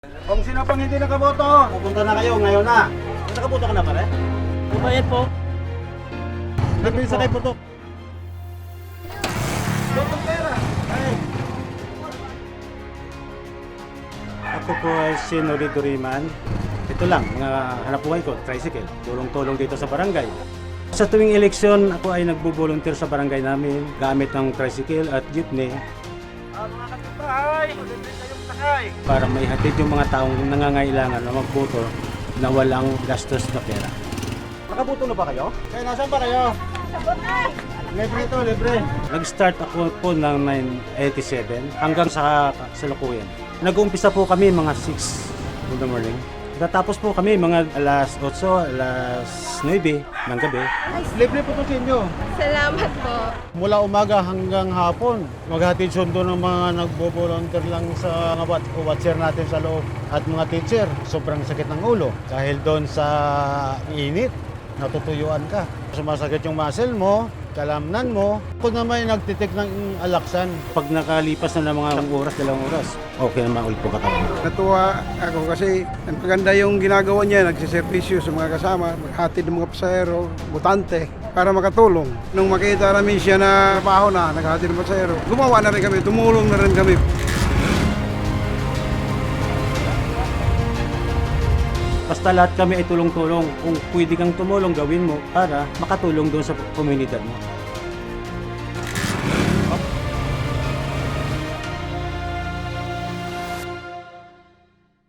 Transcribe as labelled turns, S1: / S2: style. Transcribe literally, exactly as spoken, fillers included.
S1: Kung sino pang hindi nakaboto, pupunta na kayo ngayon na. Nakaboto ka na pare?
S2: Bubayad po.
S1: Libre sa kayo putok. Botong pera. Ay.
S3: Ako po ay si Nori Duriman. Ito lang, mga hanap buhay ko, tricycle. Tulong-tulong dito sa barangay. Sa tuwing eleksyon, ako ay nagbo-volunteer sa barangay namin gamit ng tricycle at jeepney
S1: Ah, mga kapitbahay, libre kayong sakay.
S3: para maihatid yung mga taong nangangailangan na magboto na walang gastos na pera.
S1: Nakaboto na ba kayo? Kaya nasaan pa kayo? Libre ito, libre.
S3: Nag-start ako po ng nineteen eighty-seven hanggang sa salukuyan. Nag-uumpisa po kami mga six in the morning. Natapos po kami mga alas otso, alas nuwebe ng gabi.
S1: Libre po ito sa inyo.
S4: Salamat po.
S5: Mula umaga hanggang hapon, maghatid sundo ng mga nagbo-volunteer lang sa mga wat- watcher natin sa loob at mga teacher. Sobrang sakit ng ulo dahil doon sa init, natutuyuan ka. Sumasakit yung muscle mo, kalamnan mo. Ako naman ay nagtitik ng alaksan.
S3: Pag nakalipas na ng mga oras, dalawang oras, okay naman ulit po katawan.
S6: Natuwa ako kasi ang maganda yung ginagawa niya, nagsiservisyo sa mga kasama, maghatid ng mga pasahero, butante, para makatulong. Nung makita namin siya na trabaho na, naghatid ng pasahero, gumawa na rin kami, tumulong na rin kami.
S3: Basta lahat kami ay tulong-tulong. Kung pwede kang tumulong, gawin mo para makatulong doon sa komunidad mo.